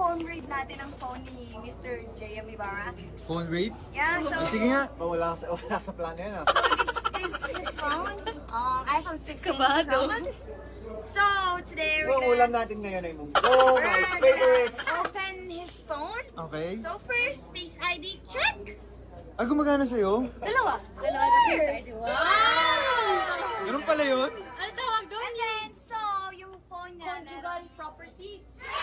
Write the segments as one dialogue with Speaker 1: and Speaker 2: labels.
Speaker 1: phone read natin ang phone ni Mr. J.M. Ibarra.
Speaker 2: Phone rate?
Speaker 1: Yeah, so
Speaker 2: Sige nga.
Speaker 3: Wala sa plano yan ah.
Speaker 1: this is his phone. iPhone 16
Speaker 4: Kabado.
Speaker 1: Pro Max. So, today
Speaker 3: So,
Speaker 1: we're
Speaker 3: ulam
Speaker 1: gonna,
Speaker 3: natin ngayon ay munggo, my favorite.
Speaker 1: open his phone.
Speaker 2: Okay.
Speaker 1: So first, Face ID check.
Speaker 2: Ah, gumagana sa'yo?
Speaker 4: Dalawa na face ID. Wow!
Speaker 2: Ganun pala yun?
Speaker 4: Ano tawag doon?
Speaker 1: And then, so, yung phone niya.
Speaker 4: Conjugal property.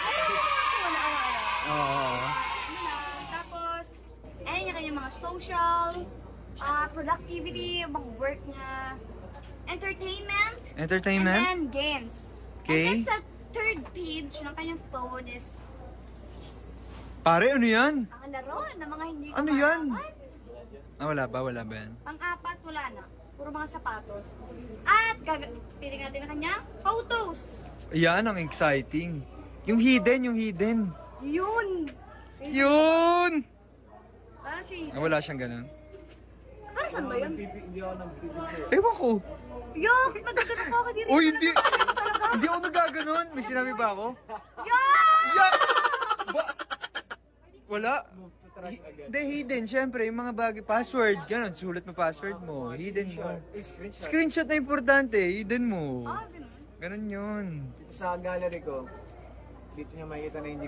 Speaker 2: Oo.
Speaker 1: Tapos, ayun yung kanyang mga social, productivity, mga work niya, entertainment,
Speaker 2: Entertainment?
Speaker 1: and then games.
Speaker 2: Okay.
Speaker 1: And then sa third page ng kanyang phone is
Speaker 2: Pare, ano yan?
Speaker 1: ang laro ng mga hindi
Speaker 2: Ano yan?
Speaker 1: kumakawan.
Speaker 2: Ah, wala ba? Wala ba yan?
Speaker 1: Pang-apat, wala na. Puro mga sapatos. At titignan natin ang kanyang photos.
Speaker 2: Yan, ang exciting. Yung hidden.
Speaker 1: Yun!
Speaker 2: Yun!
Speaker 1: Si...
Speaker 2: Ah, wala siyang ganun.
Speaker 1: Para saan ba yun?
Speaker 3: Hindi ako nang pipicture.
Speaker 2: Ewan ko.
Speaker 1: Yok! Nagkakaroon ko ako dito.
Speaker 2: Uy, hindi. Hindi ako nagaganon. May sinabi ba ako?
Speaker 1: Yok!
Speaker 2: Yak! Wala.
Speaker 3: Move to trash agad.
Speaker 2: Hindi, hidden. Siyempre, yung mga bagay. Password. Ganon. Sulat mo password mo. Hidden mo.
Speaker 3: Screenshot.
Speaker 2: Screenshot na importante. Hidden mo.
Speaker 1: Ah, ganun.
Speaker 2: Ganon yun.
Speaker 3: Dito sa gallery ko, dito niya makikita na hindi